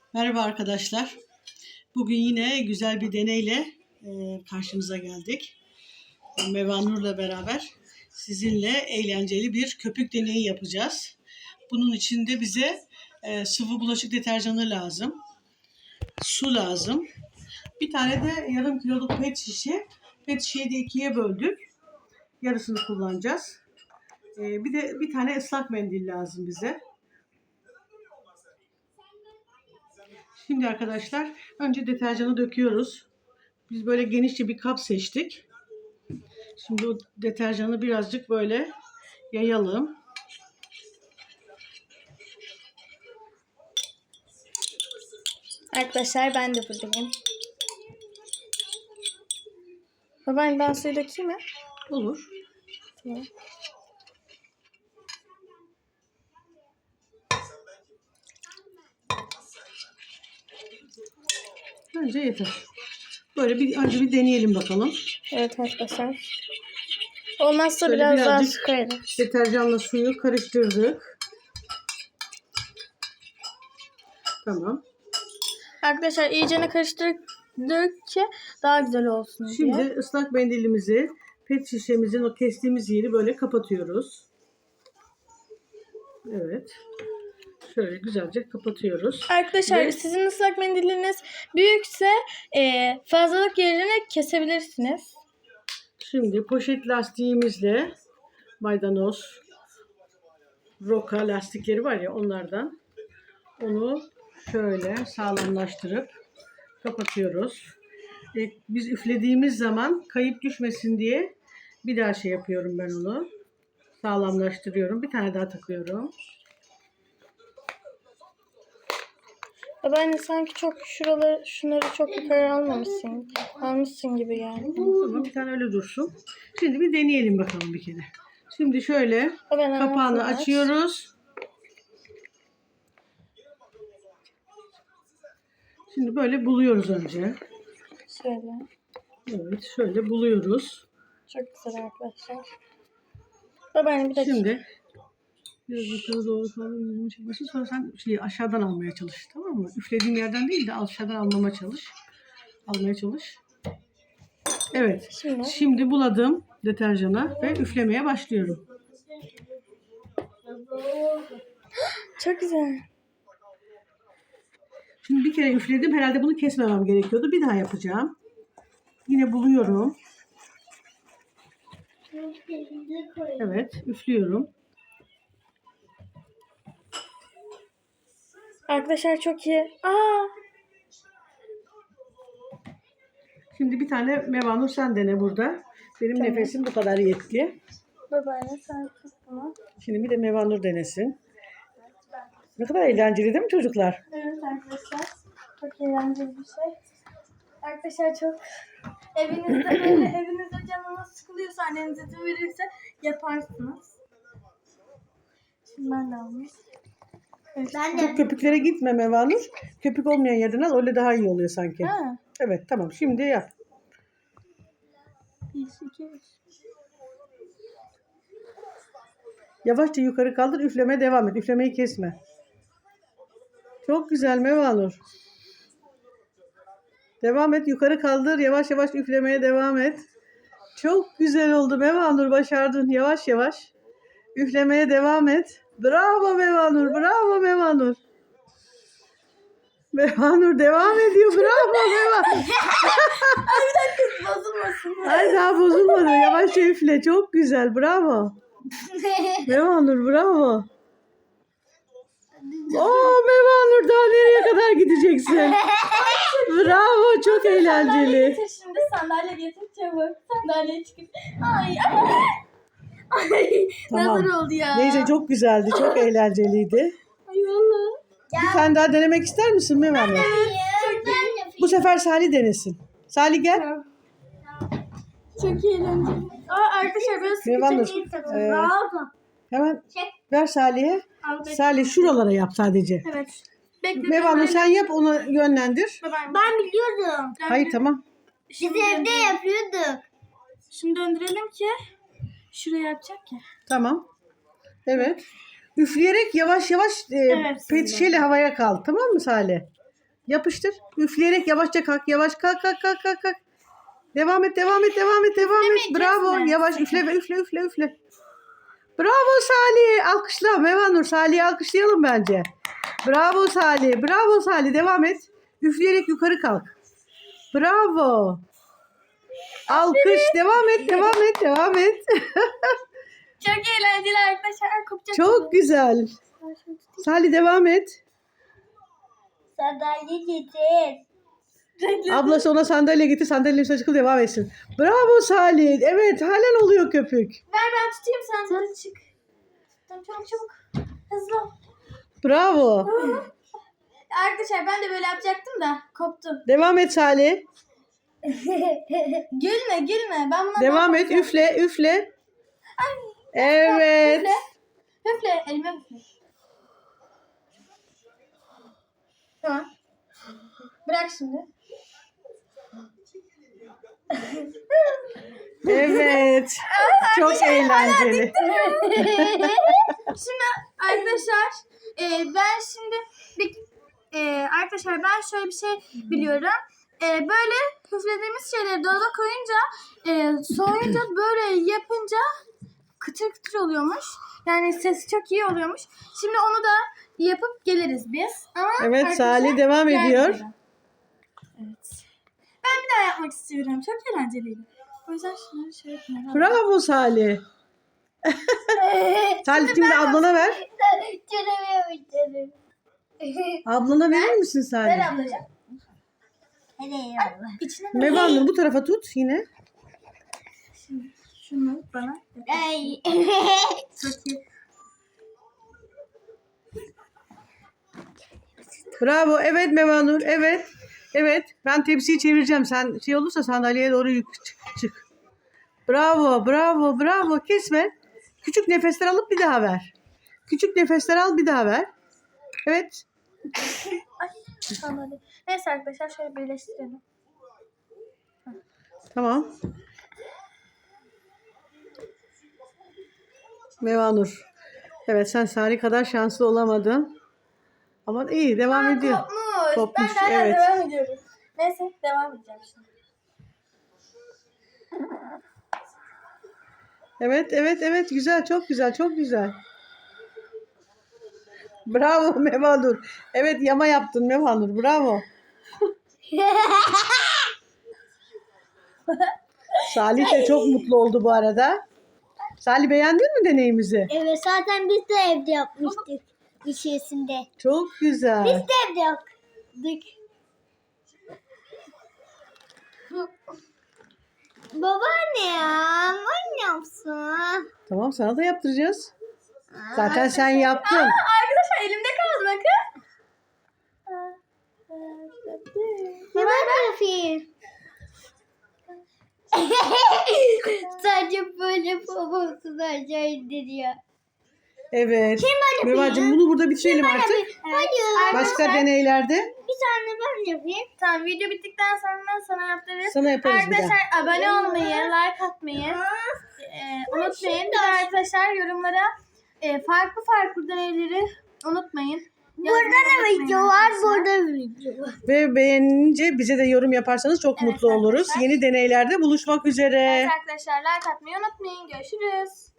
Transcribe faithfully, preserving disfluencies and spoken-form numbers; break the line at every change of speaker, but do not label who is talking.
Merhaba arkadaşlar. Bugün yine güzel bir deneyle e, karşınıza geldik. Mevanur'la beraber sizinle eğlenceli bir köpük deneyi yapacağız. Bunun için de bize e, sıvı bulaşık deterjanı lazım. Su lazım. Bir tane de yarım kiloluk pet şişe. Pet şişeyi de ikiye böldük. Yarısını kullanacağız. E, bir de bir tane ıslak mendil lazım bize. Şimdi arkadaşlar önce deterjanı döküyoruz. Biz böyle genişçe bir kap seçtik. Şimdi o deterjanı birazcık böyle yayalım.
Arkadaşlar ben de buradayım. Babaanne ben suyu dökeyim mi?
Olur.
Tamam.
Bence yeter. Böyle bir önce bir deneyelim bakalım.
Evet arkadaşlar. Olmazsa
Şöyle
biraz daha
birazcık
su koyarız.
deterjanla suyu karıştırdık. Tamam.
Arkadaşlar iyicene karıştırdık ki daha güzel olsun diye.
Şimdi ıslak mendilimizi pet şişemizin o kestiğimiz yeri böyle kapatıyoruz. Evet. Şöyle güzelce kapatıyoruz.
Arkadaşlar
Ve
sizin ıslak mendiliniz büyükse e, fazlalık yerini kesebilirsiniz.
şimdi poşet lastiğimizle maydanoz, roka lastikleri var ya onlardan onu şöyle sağlamlaştırıp kapatıyoruz. E, biz üflediğimiz zaman kayıp düşmesin diye bir daha şey yapıyorum ben onu. Sağlamlaştırıyorum. Bir tane daha takıyorum.
Babaanne sanki çok şuraları, şunları çok yukarı almamışsın. Almışsın gibi yani.
Tamam, bir tane öyle dursun. Şimdi bir deneyelim bakalım bir kere. Şimdi şöyle
Babaanne,
kapağını
aç.
açıyoruz. Şimdi böyle buluyoruz önce.
Şöyle.
Evet, şöyle buluyoruz.
Çok güzel arkadaşlar. Babaanne bir dakika.
Şimdi biraz yukarı doğru falan yüzümü çekmesin. Sonra sen şeyi aşağıdan almaya çalış. Tamam mı? Üflediğin yerden değil de aşağıdan almama çalış. Almaya çalış. Evet.
Şimdi.
Şimdi buladım deterjana ve üflemeye başlıyorum.
Çok güzel.
Şimdi bir kere üfledim. Herhalde bunu kesmemem gerekiyordu. Bir daha yapacağım. Yine buluyorum. Evet. Üflüyorum.
Arkadaşlar çok iyi. Aa!
Şimdi bir tane Mevanur sen dene burada. Benim
Tamam.
nefesim bu kadar yetti.
Babaanne sen tut bunu.
Şimdi bir de Mevanur denesin. Ne kadar eğlenceli değil mi çocuklar?
Evet arkadaşlar. Çok eğlenceli bir şey. Arkadaşlar çok evinizde böyle evinizde canınız sıkılıyorsa anneniz izin verirse yaparsınız. Şimdi ben de almış. Evet. Ben
Çok köpüklere gitme Mevanur. Köpük olmayan yerden al. Öyle daha iyi oluyor sanki.
Ha.
Evet tamam. Şimdi yap.
Bir, iki, üç.
Yavaşça yukarı kaldır. Üflemeye devam et. Üflemeyi kesme. Çok güzel Mevanur. Devam et. Yukarı kaldır. Yavaş yavaş üflemeye devam et. Çok güzel oldu Mevanur. Başardın. Yavaş yavaş. Üflemeye devam et. Bravo Mevanur. Bravo Mevanur. Mevanur devam ediyor. Bravo Mevanur.
Ay bir dakika bozulmasın.
Ay daha bozulmadı. Yavaşça üfle. Çok güzel. Bravo. Mevanur bravo. Oo Mevanur daha nereye kadar gideceksin? Bravo çok
Sandalye
eğlenceli.
getir şimdi sandalye getir çabuk. Sandalye çıkıp. Ay ay. Ay
Tamam.
nazar oldu ya.
Neyse çok güzeldi. Çok eğlenceliydi.
Ay valla.
Bir tane daha denemek ister misin Mevanur?
Çok iyi.
Bu sefer Salih denesin. Salih gel.
Çok eğlenceli. Aa arkadaşlar böyle
Mevanur,
sıkıcı değil.
e,
Bravo.
Hemen ver Salih'e.
Al, bekle.
Salih şuralara yap sadece.
Evet. Bekle.
Mevanur sen yap onu yönlendir.
Ben biliyordum.
Hayır tamam.
Biz evde yapıyorduk. Şimdi döndürelim ki şuraya yapacak ya.
Tamam. Evet. Üfleyerek yavaş yavaş e,
Evet,
pet şişeyle havaya kal. Tamam mı Salih? Yapıştır. Üfleyerek yavaşça kalk. Yavaş kalk kalk kalk kalk. kalk. Devam et devam et devam et devam et.
Üflemeyeceğiz
Bravo.
mi?
Yavaş üfle üfle üfle üfle. Bravo Salih. Alkışla Mevanur. Salih'i alkışlayalım bence. Bravo Salih. Bravo Salih. Devam et. Üfleyerek yukarı kalk. Bravo. Alkış. Devam et. Devam et. Devam et.
Çok eğlenceli arkadaşlar. Kopacak.
Çok güzel. Salih devam et.
Sandalye getir.
Ablası ona sandalye getir. Sandalyenin üstüne çıkıp devam etsin. Bravo Salih. Evet halen oluyor köpük.
Ver ben tutayım sen sen çık. Tamam çabuk çabuk. Hızlı ol.
Bravo.
Arkadaşlar ben de böyle yapacaktım da koptu.
Devam et Salih.
Gülme gülme. Ben buna
Devam et. Üfle üfle. Evet.
Üfle. Üfle. Elime üfle. Tamam. Bırak şimdi.
Evet. Çok eğlenceli.
Şimdi arkadaşlar e, ben şimdi bir, e, arkadaşlar ben şöyle bir şey biliyorum. E, böyle üflediğimiz şeyleri dolaba koyunca e, soğuyunca böyle yapınca kıtır kıtır oluyormuş. Yani sesi çok iyi oluyormuş. Şimdi onu da yapıp geliriz biz. Ama
Evet
arkadaşlar,
Salih devam
diğer
ediyor.
videoda. Evet. Ben bir daha yapmak istiyorum. Çok eğlenceliydi. O yüzden şunları şöyle yapayım.
Bravo Salih. Salih şimdi ablana ver. Ablana verir misin
Ver
Salih?
ablacığım. İçine ver.
Mevanur bu tarafa tut yine.
Şunu bana. Çok iyi.
Bravo. Evet Mevanur. Evet. Evet. Ben tepsiyi çevireceğim. Sen şey olursa sandalyeye doğru yük çık. çık. Bravo. Bravo. Bravo. Kesme. Küçük nefesler alıp bir daha ver. Küçük nefesler al bir daha ver. Evet.
Ay, tamam. Neyse arkadaşlar şöyle birleştirelim.
Tamam. Mevanur. Evet sen Salih kadar şanslı olamadın. Ama iyi devam
Aa,
ediyor.
Kopmuş.
Kopmuş,
Ben hala
evet.
devam ediyorum. Neyse devam edeceğim şimdi.
Evet evet evet güzel çok güzel çok güzel. Bravo Mevanur. Evet yama yaptın Mevanur. Bravo. Salih de çok mutlu oldu bu arada. Salih beğendin mi deneyimizi?
Evet zaten biz de evde yapmıştık içerisinde.
Çok güzel.
Biz de evde yaptık. Babaanne ya, anne yapsın.
Tamam sana da yaptıracağız. Zaten sen yaptın.
Aa, arkadaşlar elimde kaldı bakın.
Ne ben yapayım? Sadece böyle babası da aşağı indiriyor.
Evet. Mevacığım bunu burada bitirelim artık.
Hayır.
Başka
Arkadaşlar-
deneylerde
Bir tane ben yapayım.
Tamam video bittikten sonra sana yaptırırız.
sana yaparız bir daha.
Arkadaşlar abone olmayı, like atmayı e, unutmayın. Bir de arkadaşlar yorumlara e, farklı farklı deneyleri unutmayın.
Burada da video var, burada da video var.
Ve beğenince bize de yorum yaparsanız çok
Evet
mutlu oluruz.
arkadaşlar.
Yeni deneylerde buluşmak üzere.
Evet arkadaşlar like atmayı unutmayın. Görüşürüz.